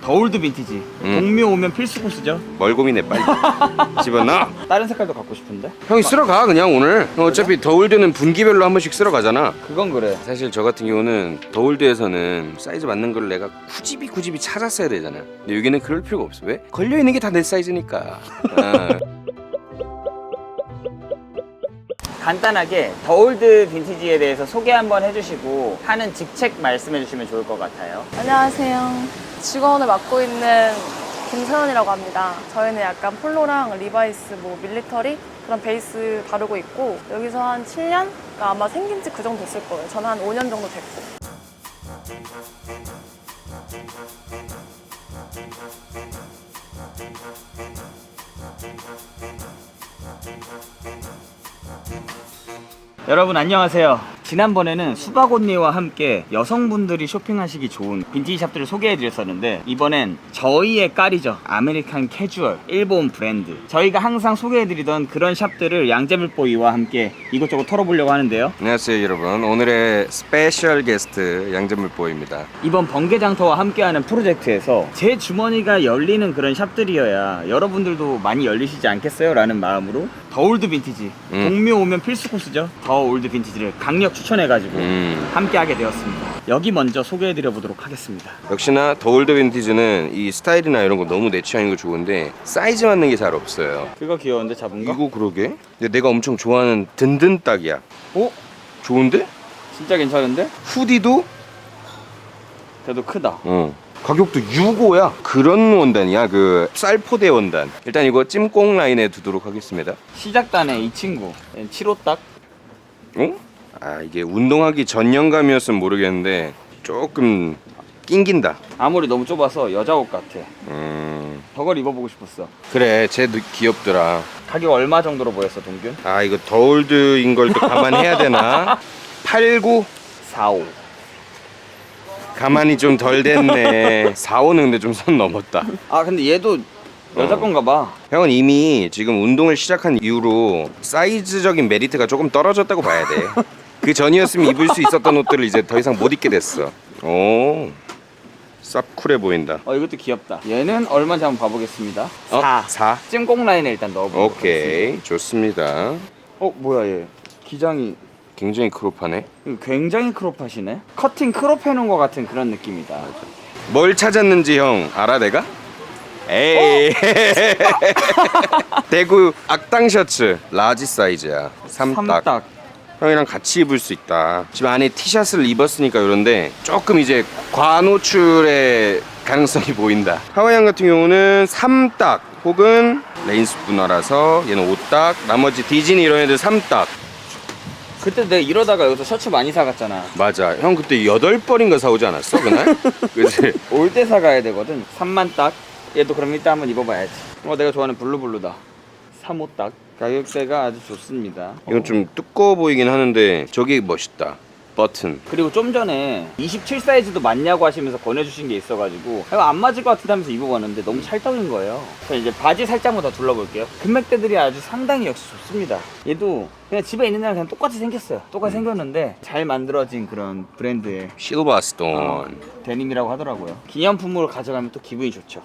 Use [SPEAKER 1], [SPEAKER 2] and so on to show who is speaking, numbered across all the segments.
[SPEAKER 1] 더올드 빈티지. 동묘 오면 필수 코스죠.
[SPEAKER 2] 뭘 고민해 빨리 집어넣어.
[SPEAKER 1] 다른 색깔도 갖고 싶은데?
[SPEAKER 2] 형이 쓸어 가 그냥 오늘. 형 어차피 더올드는 분기별로 한 번씩 쓸어 가잖아.
[SPEAKER 1] 그건 그래.
[SPEAKER 2] 사실 저 같은 경우는 더올드에서는 사이즈 맞는 걸 내가 굳이 찾았어야 되잖아. 근데 여기는 그럴 필요가 없어. 왜? 걸려 있는 게 다 내 사이즈니까.
[SPEAKER 1] 간단하게 더올드 빈티지에 대해서 소개 한번 해주시고 하는 직책 말씀해 주시면 좋을 것 같아요.
[SPEAKER 3] 안녕하세요. 직원을 맡고 있는 김서연이라고 합니다. 저희는 약간 폴로랑 리바이스, 뭐 밀리터리 그런 베이스 다루고 있고 여기서 한 7년? 그러니까 아마 생긴 지 그 정도 됐을 거예요. 저는 한 5년 정도 됐고.
[SPEAKER 1] 여러분 안녕하세요. 지난번에는 수박 언니와 함께 여성분들이 쇼핑하시기 좋은 빈티지 샵들을 소개해드렸었는데 이번엔 저희의 깔이죠. 아메리칸 캐주얼 일본 브랜드, 저희가 항상 소개해드리던 그런 샵들을 양재물보이와 함께 이것저것 털어보려고 하는데요.
[SPEAKER 2] 안녕하세요 여러분. 오늘의 스페셜 게스트 양재물보입니다.
[SPEAKER 1] 이번 번개장터와 함께하는 프로젝트에서 제 주머니가 열리는 그런 샵들이어야 여러분들도 많이 열리시지 않겠어요? 라는 마음으로 더올드 빈티지, 동묘 오면 필수 코스죠. 더올드 빈티지를 강력 추천해가지고 함께하게 되었습니다. 여기 먼저 소개해드려 보도록 하겠습니다.
[SPEAKER 2] 역시나 더올드 빈티지는 이 스타일이나 이런 거 너무 내 취향인 거 좋은데 사이즈 맞는 게 잘 없어요.
[SPEAKER 1] 그거 귀여운데 잡은 거?
[SPEAKER 2] 이거 그러게? 근데 내가 엄청 좋아하는 든든 딱이야.
[SPEAKER 1] 오?
[SPEAKER 2] 좋은데?
[SPEAKER 1] 진짜 괜찮은데?
[SPEAKER 2] 후디도?
[SPEAKER 1] 그래도 크다.
[SPEAKER 2] 가격도 6호야. 그런 원단이야. 그 쌀포대 원단. 일단 이거 찜꽁 라인에 두도록 하겠습니다.
[SPEAKER 1] 시작단에 이 친구 7호 딱.
[SPEAKER 2] 어? 아 이게 운동하기 전용감이었으면 모르겠는데 조금 낑긴다.
[SPEAKER 1] 아무리 너무 좁아서 여자 옷 같아. 저걸 입어보고 싶었어.
[SPEAKER 2] 그래 쟤 귀엽더라.
[SPEAKER 1] 가격 얼마 정도로 보였어, 동균?
[SPEAKER 2] 아 이거 더올드인 걸 또 감안해야 되나? 89?
[SPEAKER 1] 45.
[SPEAKER 2] 가만히 좀 덜 됐네. 45는 근데 좀 선 넘었다.
[SPEAKER 1] 아 근데 얘도 여자 건가 봐.
[SPEAKER 2] 형은 이미 지금 운동을 시작한 이후로 사이즈적인 메리트가 조금 떨어졌다고 봐야 돼. 그 전이었으면 입을 수 있었던 옷들을 이제 더 이상 못 입게 됐어. 오, 쌉 쿨해 보인다.
[SPEAKER 1] 이것도 귀엽다. 얘는 얼마인지 한번 봐보겠습니다. 4.
[SPEAKER 2] 4?
[SPEAKER 1] 찜꽁 라인에 일단 넣어보도록
[SPEAKER 2] 오케이, 좋습니다.
[SPEAKER 1] 뭐야 얘. 기장이
[SPEAKER 2] 굉장히 크롭하네.
[SPEAKER 1] 굉장히 크롭하시네. 커팅 크롭 해놓은 것 같은 그런 느낌이다.
[SPEAKER 2] 뭘 찾았는지 형 알아 내가? 에이. 대구 악당 셔츠 라지 사이즈야. 3딱.
[SPEAKER 1] 3딱.
[SPEAKER 2] 형이랑 같이 입을 수 있다. 지금 안에 티셔츠를 입었으니까 그런데 조금 이제 과노출의 가능성이 보인다. 하와이안 같은 경우는 3딱 혹은 레인스 분화라서 얘는 5딱, 나머지 디즈니 이런 애들 3딱.
[SPEAKER 1] 그때 내가 이러다가 여기서 셔츠 많이 사갔잖아.
[SPEAKER 2] 맞아. 형 그때 8벌인가 사오지 않았어 그날? 그치?
[SPEAKER 1] 올 때 사가야 되거든. 3만 딱. 얘도 그럼 이따 한번 입어봐야지. 내가 좋아하는 블루블루다. 3호 딱. 가격대가 아주 좋습니다.
[SPEAKER 2] 이건 좀 두꺼워 보이긴 하는데 저게 멋있다. 버튼.
[SPEAKER 1] 그리고 좀 전에 27 사이즈도 맞냐고 하시면서 권해주신 게 있어가지고 이거 안 맞을 것 같은데 하면서 입어봤는데 너무 찰떡인 거예요. 그래서 이제 바지 살짝만 더 둘러볼게요. 금맥대들이 아주 상당히 역시 좋습니다. 얘도 그냥 집에 있는 애랑 그냥 똑같이 생겼어요. 똑같이 생겼는데 잘 만들어진 그런 브랜드의
[SPEAKER 2] 실버스톤.
[SPEAKER 1] 데님이라고 하더라고요. 기념품으로 가져가면 또 기분이 좋죠.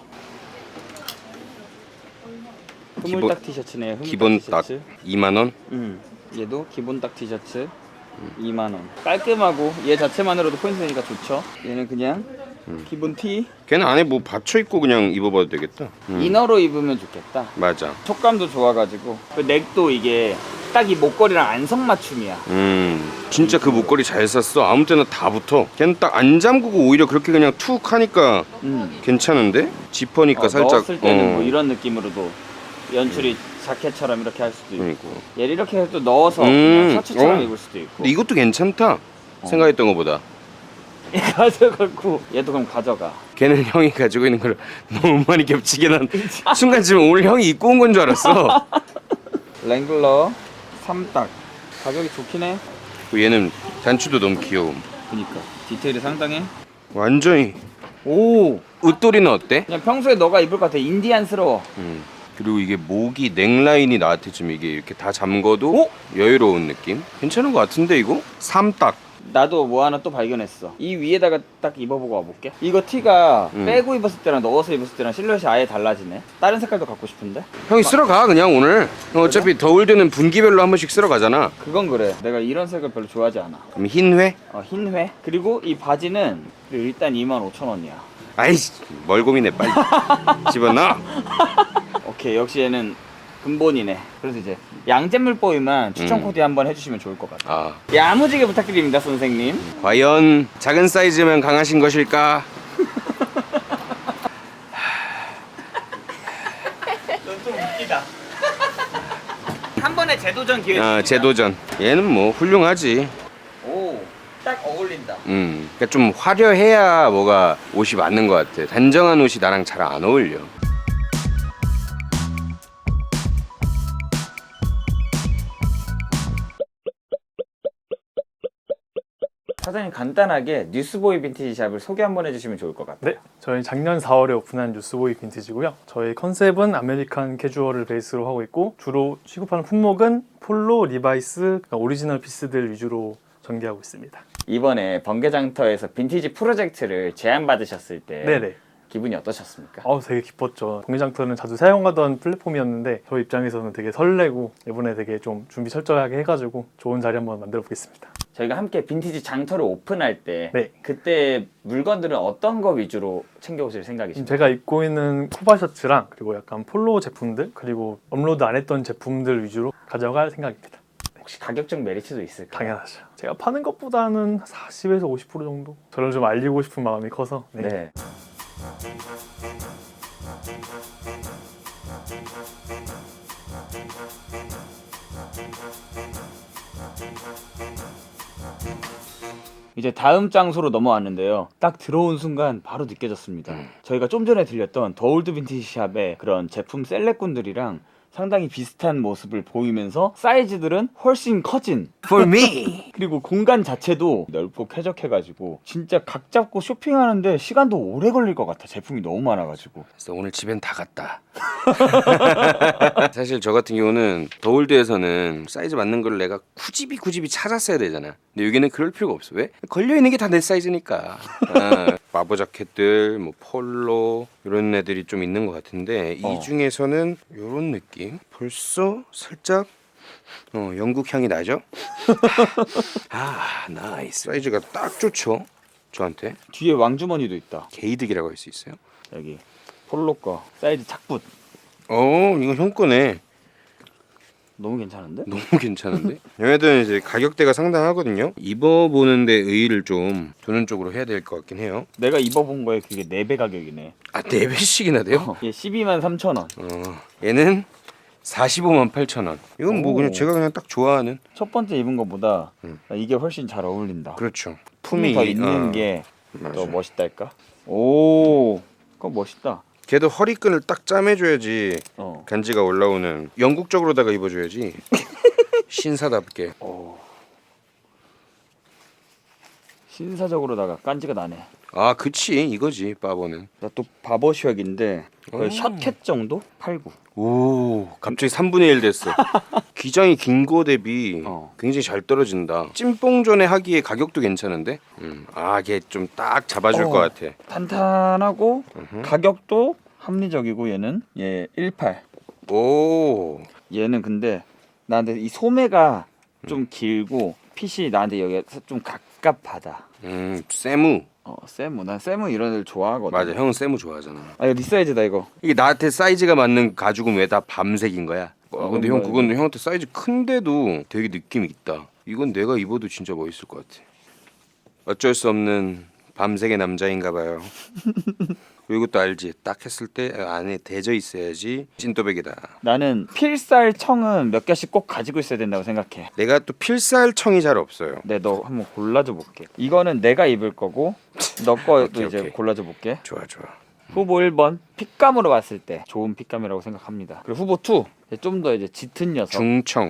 [SPEAKER 1] 흐물딱 티셔츠네요. 흐물딱
[SPEAKER 2] 기본 딱
[SPEAKER 1] 티셔츠.
[SPEAKER 2] 2만원?
[SPEAKER 1] 얘도 기본 딱 티셔츠 2만원. 깔끔하고 얘 자체만으로도 포인트 되니까 좋죠. 얘는 그냥 기본 티.
[SPEAKER 2] 걔는 안에 뭐 받쳐 입고 그냥 입어봐도 되겠다.
[SPEAKER 1] 이너로 입으면 좋겠다.
[SPEAKER 2] 맞아.
[SPEAKER 1] 촉감도 좋아가지고 그 넥도 이게 딱 이 목걸이랑 안성맞춤이야.
[SPEAKER 2] 진짜 그 목걸이 잘 샀어. 아무 때나 다 붙어. 걔는 딱 안 잠그고 오히려 그렇게 그냥 툭 하니까 괜찮은데? 지퍼니까 살짝
[SPEAKER 1] 넣었을 때는 뭐 이런 느낌으로도 연출이 자켓처럼 이렇게 할 수도 있고 얘를 이렇게 해서 또 넣어서 그냥 셔츠처럼 입을 수도 있고.
[SPEAKER 2] 근데 이것도 괜찮다. 생각했던 것보다.
[SPEAKER 1] 얘 가져가고 얘도 그럼 가져가.
[SPEAKER 2] 걔는 형이 가지고 있는 걸 너무 많이 겹치게 난 순간 지금 오늘 형이 입고 온 건 줄 알았어.
[SPEAKER 1] 랭글러 3딱. 가격이 좋긴 해.
[SPEAKER 2] 얘는 단추도 너무 귀여움.
[SPEAKER 1] 그니까 디테일이 상당해.
[SPEAKER 2] 완전히.
[SPEAKER 1] 오,
[SPEAKER 2] 웃돌이는 어때?
[SPEAKER 1] 그냥 평소에 너가 입을 것 같아. 인디안스러워.
[SPEAKER 2] 그리고 이게 목이 넥라인이 나한테 좀 이게 이렇게 다 잠궈도
[SPEAKER 1] 오?
[SPEAKER 2] 여유로운 느낌? 괜찮은 것 같은데 이거? 3딱.
[SPEAKER 1] 나도 뭐 하나 또 발견했어. 이 위에다가 딱 입어보고 와볼게. 이거 티가 빼고 입었을 때랑 넣어서 입었을 때랑 실루엣이 아예 달라지네. 다른 색깔도 갖고 싶은데?
[SPEAKER 2] 형이 쓸어가 그냥 오늘. 형 어차피 더울 때는 분기별로 한 번씩 쓸어가잖아.
[SPEAKER 1] 그건 그래. 내가 이런 색을 별로 좋아하지 않아.
[SPEAKER 2] 그럼 흰 회?
[SPEAKER 1] 흰 회. 그리고 이 바지는 일단 25,000원이야.
[SPEAKER 2] 아이씨 뭘 고민해 빨리 집어넣어.
[SPEAKER 1] 오케이, 역시 얘는 근본이네. 그래서 이제 양잿물보이만 추천 코디 한번 해주시면 좋을 것 같아.
[SPEAKER 2] 아
[SPEAKER 1] 야무지게 부탁드립니다, 선생님.
[SPEAKER 2] 과연 작은 사이즈면 강하신 것일까?
[SPEAKER 1] 넌 좀 웃기다. 한 번에 재도전 기회.
[SPEAKER 2] 재도전. 얘는 뭐 훌륭하지.
[SPEAKER 1] 오, 딱 어울린다.
[SPEAKER 2] 그러니까 좀 화려해야 뭐가 옷이 맞는 것 같아. 단정한 옷이 나랑 잘 안 어울려.
[SPEAKER 1] 사장님, 간단하게 뉴스보이 빈티지 샵을 소개 한번 해주시면 좋을 것 같아요.
[SPEAKER 4] 네, 저희 작년 4월에 오픈한 뉴스보이 빈티지고요. 저희 컨셉은 아메리칸 캐주얼을 베이스로 하고 있고 주로 취급하는 품목은 폴로, 리바이스, 그러니까 오리지널 피스들 위주로 전개하고 있습니다.
[SPEAKER 1] 이번에 번개장터에서 빈티지 프로젝트를 제안받으셨을 때
[SPEAKER 4] 네네.
[SPEAKER 1] 기분이 어떠셨습니까?
[SPEAKER 4] 되게 기뻤죠. 번개장터는 자주 사용하던 플랫폼이었는데 저희 입장에서는 되게 설레고 이번에 되게 좀 준비 철저하게 해가지고 좋은 자리 한번 만들어 보겠습니다.
[SPEAKER 1] 저희가 함께 빈티지 장터를 오픈할 때
[SPEAKER 4] 네.
[SPEAKER 1] 그때 물건들은 어떤 거 위주로 챙겨오실 생각이신가요?
[SPEAKER 4] 제가 입고 있는 코바 셔츠랑 그리고 약간 폴로 제품들 그리고 업로드 안 했던 제품들 위주로 가져갈 생각입니다.
[SPEAKER 1] 혹시 가격적 메리트도 있을까요?
[SPEAKER 4] 당연하죠. 제가 파는 것보다는 40에서 50% 정도? 저를 좀 알리고 싶은 마음이 커서
[SPEAKER 1] 네. 이제 다음 장소로 넘어왔는데요. 딱 들어온 순간 바로 느껴졌습니다. 저희가 좀 전에 들렸던 더 올드 빈티지 샵의 그런 제품 셀렉꾼들이랑 상당히 비슷한 모습을 보이면서 사이즈들은 훨씬 커진
[SPEAKER 2] For me.
[SPEAKER 1] 그리고 공간 자체도 넓고 쾌적해가지고 진짜 각 잡고 쇼핑하는데 시간도 오래 걸릴 것 같아. 제품이 너무 많아가지고.
[SPEAKER 2] 그래서 오늘 집엔 다 갔다. 사실 저 같은 경우는 더올드에서는 사이즈 맞는 걸 내가 굳이 찾았어야 되잖아. 근데 여기는 그럴 필요가 없어. 왜? 걸려 있는 게 다 내 사이즈니까. 마보 자켓들, 뭐 폴로 이런 애들이 좀 있는 것 같은데 이 중에서는 이런 느낌. 벌써 살짝 영국 향이 나죠? 나이스. 사이즈가 딱 좋죠. 저한테.
[SPEAKER 1] 뒤에 왕주머니도 있다.
[SPEAKER 2] 게이득이라고 할 수 있어요.
[SPEAKER 1] 여기 폴로 거 사이즈 착붙.
[SPEAKER 2] 이거 형 거네.
[SPEAKER 1] 너무 괜찮은데?
[SPEAKER 2] 너무 괜찮은데? 얘네들은 이제 가격대가 상당하거든요. 입어보는데 의의를 좀 두는 쪽으로 해야 될 것 같긴 해요.
[SPEAKER 1] 내가 입어본 거에 그게 4배 가격이네.
[SPEAKER 2] 4배씩이나 돼요?
[SPEAKER 1] 얘 123,000원.
[SPEAKER 2] 얘는 458,000원. 이건 뭐
[SPEAKER 1] 오.
[SPEAKER 2] 그냥 제가 그냥 딱 좋아하는.
[SPEAKER 1] 첫 번째 입은 것보다 이게 훨씬 잘 어울린다.
[SPEAKER 2] 그렇죠.
[SPEAKER 1] 품이 더 있는 게
[SPEAKER 2] 맞아.
[SPEAKER 1] 더 멋있달까? 오, 그거 멋있다.
[SPEAKER 2] 걔도 허리끈을 딱 짜매줘야지
[SPEAKER 1] 어.
[SPEAKER 2] 간지가 올라오는. 영국적으로다가 입어줘야지. 신사답게.
[SPEAKER 1] 신사적으로다가 깐지가 나네.
[SPEAKER 2] 그치 이거지 바보는.
[SPEAKER 1] 나 또 바버쉬역인데 거의 셔켓 정도? 89.
[SPEAKER 2] 오 갑자기 3분의 1 됐어. 기장이 긴 거 대비 굉장히 잘 떨어진다. 찐뽕전에 하기에 가격도 괜찮은데. 걔 좀 딱 잡아줄 것 같아.
[SPEAKER 1] 탄탄하고 가격도 합리적이고 얘 18.
[SPEAKER 2] 오
[SPEAKER 1] 얘는 근데 나한테 이 소매가 좀 길고 핏이 나한테 여기가 좀 갑갑하다.
[SPEAKER 2] 세무.
[SPEAKER 1] 세무. 난 세무 이런 애들 좋아하거든.
[SPEAKER 2] 맞아 형은 세무 좋아하잖아.
[SPEAKER 1] 이거 네 사이즈다 이거.
[SPEAKER 2] 이게 나한테 사이즈가 맞는 가죽은 왜 다 밤색인 거야? 근데 형
[SPEAKER 1] 뭔가
[SPEAKER 2] 그건 형한테 사이즈 큰데도 되게 느낌이 있다. 이건 내가 입어도 진짜 멋있을 것 같아. 어쩔 수 없는 밤색의 남자인가 봐요. 이것도 알지? 딱 했을 때 안에 대져 있어야지 찐또백이다.
[SPEAKER 1] 나는 필살 청은 몇 개씩 꼭 가지고 있어야 된다고 생각해.
[SPEAKER 2] 내가 또 필살 청이 잘 없어요.
[SPEAKER 1] 네, 너 한번 골라줘 볼게. 이거는 내가 입을 거고 너 거도
[SPEAKER 2] 오케이,
[SPEAKER 1] 이제
[SPEAKER 2] 오케이.
[SPEAKER 1] 골라줘 볼게.
[SPEAKER 2] 좋아.
[SPEAKER 1] 후보 1번 핏감으로 봤을 때 좋은 핏감이라고 생각합니다. 그리고 후보 2 좀 더 이제 짙은 녀석.
[SPEAKER 2] 중청.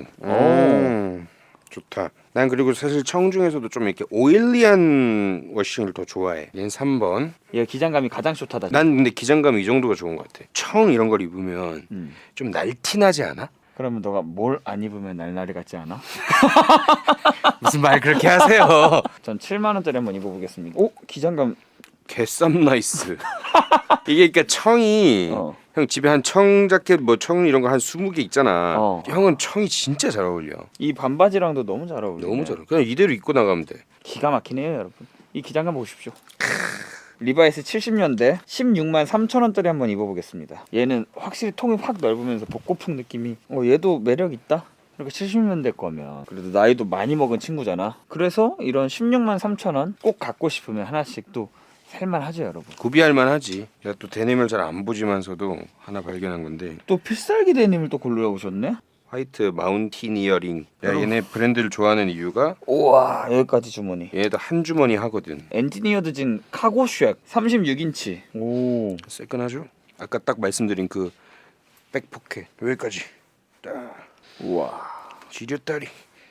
[SPEAKER 2] 좋다. 난 그리고 사실 청 중에서도 좀 이렇게 오일리한 워싱을 더 좋아해. 얘는 3번.
[SPEAKER 1] 얘 기장감이 가장 좋다다.
[SPEAKER 2] 난 근데 기장감 이 정도가 좋은 것 같아. 청 이런 걸 입으면
[SPEAKER 1] 음.
[SPEAKER 2] 좀 날티나지 않아?
[SPEAKER 1] 그러면 너가 뭘 안 입으면 날라리 같지 않아?
[SPEAKER 2] 무슨 말 그렇게 하세요.
[SPEAKER 1] 전 7만 원짜리 한번 입어보겠습니다. 오 기장감.
[SPEAKER 2] 개쌈 나이스. 이게 그러니까 청이 형 집에 한 청 자켓 뭐 청 이런 거 한 20개 있잖아. 형은 청이 진짜 잘 어울려.
[SPEAKER 1] 이 반바지랑도 너무 잘 어울려.
[SPEAKER 2] 너무 잘 어울려. 그냥 이대로 입고 나가면 돼.
[SPEAKER 1] 기가 막히네요 여러분. 이 기장감 보십시오. 리바이스 70년대 16만 3천 원짜리 한번 입어보겠습니다. 얘는 확실히 통이 확 넓으면서 복고풍 느낌이. 얘도 매력 있다. 이렇게 70년대 거면 그래도 나이도 많이 먹은 친구잖아. 그래서 이런 16만 3천 원 꼭 갖고 싶으면 하나씩 또 살만하죠 여러분.
[SPEAKER 2] 구비할 만하지. 내가 또 데님을 잘 안 보지만서도 하나 발견한 건데
[SPEAKER 1] 또 필살기 데님을 또 골라오셨네.
[SPEAKER 2] 화이트 마운티니어링. 야, 얘네 브랜드를 좋아하는 이유가
[SPEAKER 1] 우와 여기까지 주머니.
[SPEAKER 2] 얘네도 한 주머니 하거든.
[SPEAKER 1] 엔지니어드 진 카고쉑 36인치. 오
[SPEAKER 2] 새끈하죠? 아까 딱 말씀드린 그 백포켓 여기까지 딱.
[SPEAKER 1] 우와
[SPEAKER 2] 지렸다리.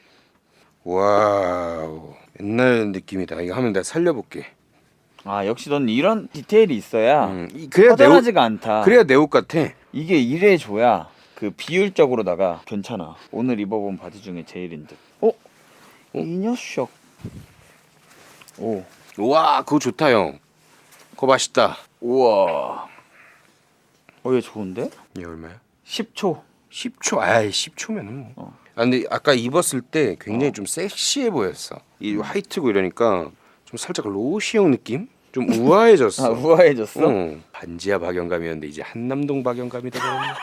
[SPEAKER 2] 와우 옛날 느낌이다. 이거 하면 내가 살려볼게.
[SPEAKER 1] 아 역시 넌 이런 디테일이 있어야
[SPEAKER 2] 그래야
[SPEAKER 1] 허전하지가 않다.
[SPEAKER 2] 그래야 내 옷 같아.
[SPEAKER 1] 이게 이래줘야 그 비율적으로다가 괜찮아. 오늘 입어본 바지 중에 제일인 듯. 이 녀석. 오.
[SPEAKER 2] 와 그거 좋다 형. 그거 맛있다.
[SPEAKER 1] 우와. 얘 좋은데?
[SPEAKER 2] 얘 얼마야?
[SPEAKER 1] 10초.
[SPEAKER 2] 10초. 아이 10초면은 뭐. 아 근데 아까 입었을 때 굉장히 좀 섹시해 보였어. 이 화이트고 이러니까 좀 살짝 로시형 느낌? 좀 우아해졌어.
[SPEAKER 1] 아 우아해졌어?
[SPEAKER 2] 반지하 박영감이었는데 이제 한남동 박영감이다.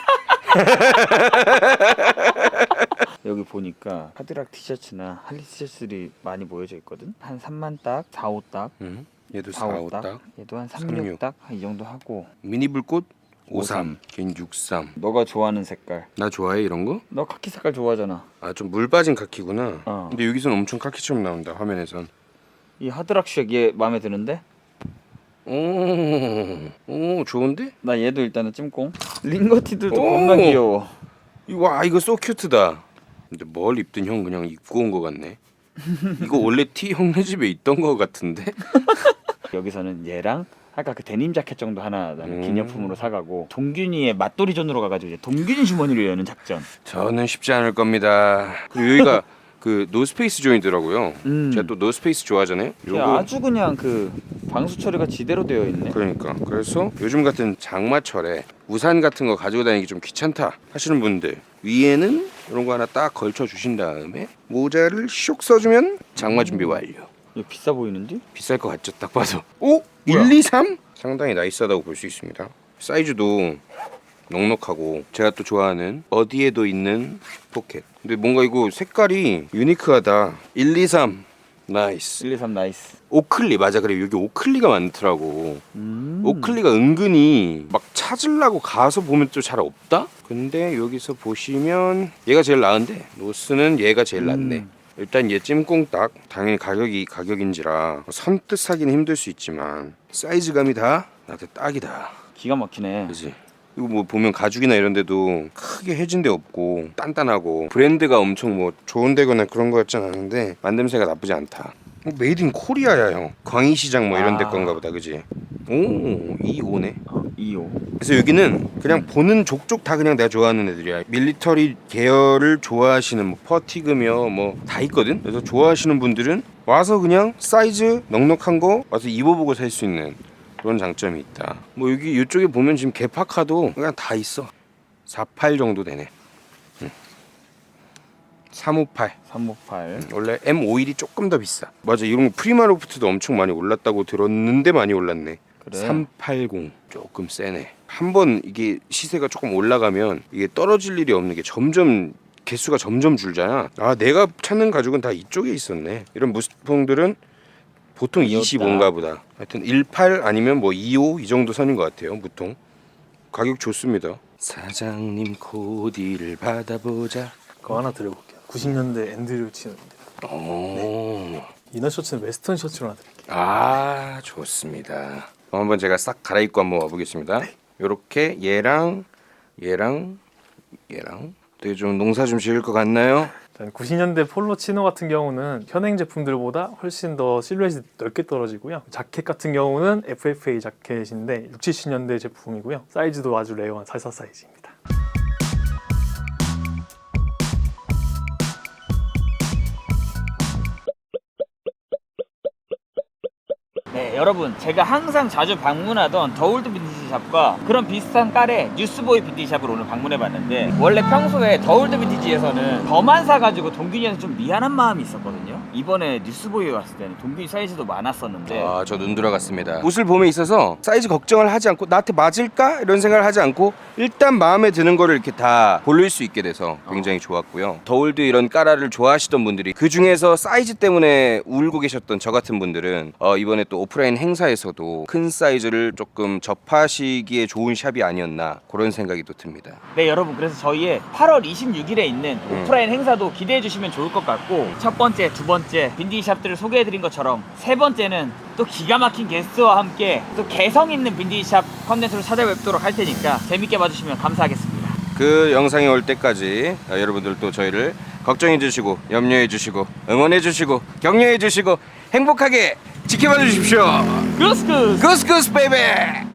[SPEAKER 1] 여기 보니까 카드락 티셔츠나 할리 티셔츠들이 많이 모여져 있거든. 한 3만 딱, 4, 5 딱,
[SPEAKER 2] 얘도
[SPEAKER 1] 4,
[SPEAKER 2] 4,
[SPEAKER 1] 5
[SPEAKER 2] 5
[SPEAKER 1] 딱.
[SPEAKER 2] 딱.
[SPEAKER 1] 얘도 한 3, 6 딱, 이 정도 하고.
[SPEAKER 2] 미니 불꽃
[SPEAKER 1] 53.
[SPEAKER 2] 53. 걔는 63.
[SPEAKER 1] 너가 좋아하는 색깔.
[SPEAKER 2] 나 좋아해 이런 거?
[SPEAKER 1] 너 카키 색깔 좋아하잖아.
[SPEAKER 2] 아 좀 물 빠진 카키구나. 근데 여기서는 엄청 카키처럼 나온다 화면에선.
[SPEAKER 1] 이 하드락쉑 얘 마음에 드는데?
[SPEAKER 2] 오 좋은데?
[SPEAKER 1] 나 얘도 일단은 찜꽁. 링거티들도 겁나 귀여워.
[SPEAKER 2] 와 이거 소 큐트다. 근데 뭘 입든 형 그냥 입고 온 거 같네. 이거 원래 티 형네 집에 있던 거 같은데?
[SPEAKER 1] 여기서는 얘랑 아까 그 데님 자켓 정도 하나 나는 기념품으로 사가고 동균이의 맛돌이 존으로 가가지고 이제 동균이 주머니로 여는 작전.
[SPEAKER 2] 저는 쉽지 않을 겁니다. 그리고 여기가 그 노스페이스 조인더라고요. 제가 또 노스페이스 좋아하잖아요.
[SPEAKER 1] 야, 아주 그냥 그 방수 처리가 지대로 되어 있네.
[SPEAKER 2] 그러니까 그래서 요즘 같은 장마철에 우산 같은 거 가지고 다니기 좀 귀찮다 하시는 분들 위에는 이런 거 하나 딱 걸쳐 주신 다음에 모자를 쇽 써주면 장마 준비 완료.
[SPEAKER 1] 이거 비싸 보이는데?
[SPEAKER 2] 비쌀 것 같죠 딱 봐서. 오? 1, 2, 3? 상당히 나이스하다고 볼 수 있습니다. 사이즈도 넉넉하고 제가 또 좋아하는 어디에도 있는 포켓. 근데 뭔가 이거 색깔이 유니크하다. 1, 2, 3 나이스.
[SPEAKER 1] 1, 2, 3 나이스.
[SPEAKER 2] 오클리 맞아. 그래 여기 오클리가 많더라고. 오클리가 은근히 막 찾으려고 가서 보면 또 잘 없다. 근데 여기서 보시면 얘가 제일 나은데 노스는 얘가 제일 낫네. 일단 얘 찜꽁딱 당연히 가격이 가격인지라 선뜻 사기는 힘들 수 있지만 사이즈감이 다 나한테 딱이다.
[SPEAKER 1] 기가 막히네.
[SPEAKER 2] 그지? 이거 뭐 보면 가죽이나 이런 데도 크게 해진 데 없고 단단하고 브랜드가 엄청 뭐 좋은 데거나 그런 거 같진 않은데 만듦새가 나쁘지 않다. 메이드 인 코리아야 형. 광희시장 뭐 이런 데 건가 보다. 그지? 오 2호네.
[SPEAKER 1] 2호.
[SPEAKER 2] 그래서 여기는 그냥 보는 족족 다 그냥 내가 좋아하는 애들이야. 밀리터리 계열을 좋아하시는 뭐 퍼티그며 뭐 다 있거든. 그래서 좋아하시는 분들은 와서 그냥 사이즈 넉넉한 거 와서 입어보고 살 수 있는 그런 장점이 있다. 뭐 여기 이쪽에 보면 지금 개파카도 그냥 다 있어. 48 정도 되네. 358.
[SPEAKER 1] 358.
[SPEAKER 2] 원래 M51이 조금 더 비싸. 맞아. 이런 거 프리마로프트도 엄청 많이 올랐다고 들었는데 많이 올랐네.
[SPEAKER 1] 그래.
[SPEAKER 2] 380 조금 세네. 한번 이게 시세가 조금 올라가면 이게 떨어질 일이 없는 게 점점 개수가 점점 줄잖아. 아 내가 찾는 가죽은 다 이쪽에 있었네. 이런 무스통들은 보통 25인가 보다. 하여튼 18 아니면 뭐 25 이 정도 선인 것 같아요. 무통. 가격 좋습니다. 사장님 코디를 받아보자.
[SPEAKER 4] 그거 하나 드려볼게요. 90년대 앤드류 치노입니다.
[SPEAKER 2] 오.
[SPEAKER 4] 이너 셔츠는 웨스턴 셔츠로 하나 드릴게요.
[SPEAKER 2] 아 좋습니다. 그럼 한번 제가 싹 갈아입고 한번 와보겠습니다. 요렇게 얘랑 되게 좀 농사 좀 지을 것 같나요?
[SPEAKER 4] 90년대 폴로 치노 같은 경우는 현행 제품들보다 훨씬 더 실루엣이 넓게 떨어지고요. 자켓 같은 경우는 FFA 자켓인데 60, 70년대 제품이고요. 사이즈도 아주 레어한 44 사이즈입니다.
[SPEAKER 1] 여러분 제가 항상 자주 방문하던 더올드 빈티지 샵과 그런 비슷한 깔의 뉴스보이 빈티지 샵을 오늘 방문해봤는데 원래 평소에 더올드 빈티지에서는 더만 사가지고 동균이한테 좀 미안한 마음이 있었거든요. 이번에 뉴스보이에 왔을 때는 동균이 사이즈도 많았었는데
[SPEAKER 2] 아, 저 눈 돌아갔습니다. 옷을 봄에 있어서 사이즈 걱정을 하지 않고 나한테 맞을까? 이런 생각을 하지 않고 일단 마음에 드는 거를 이렇게 다 고를 수 있게 돼서 굉장히 좋았고요. 더올드 이런 까라를 좋아하시던 분들이 그 중에서 사이즈 때문에 울고 계셨던 저 같은 분들은 이번에 또 오프라인 행사에서도 큰 사이즈를 조금 접하시기에 좋은 샵이 아니었나 그런 생각이 또 듭니다.
[SPEAKER 1] 네 여러분, 그래서 저희의 8월 26일에 있는 오프라인 행사도 기대해 주시면 좋을 것 같고, 첫 번째, 두 번째 빈티지 샵들을 소개해 드린 것처럼 세 번째는 또 기가 막힌 게스트와 함께 또 개성 있는 빈티지 샵 컨텐츠로 찾아뵙도록 할 테니까 재밌게 봐주시면 감사하겠습니다.
[SPEAKER 2] 그 영상이 올 때까지 여러분들 또 저희를 걱정해 주시고 염려해 주시고 응원해 주시고 격려해 주시고 행복하게 지켜봐 주십시오.
[SPEAKER 1] 구스구스!
[SPEAKER 2] 구스구스 베이베.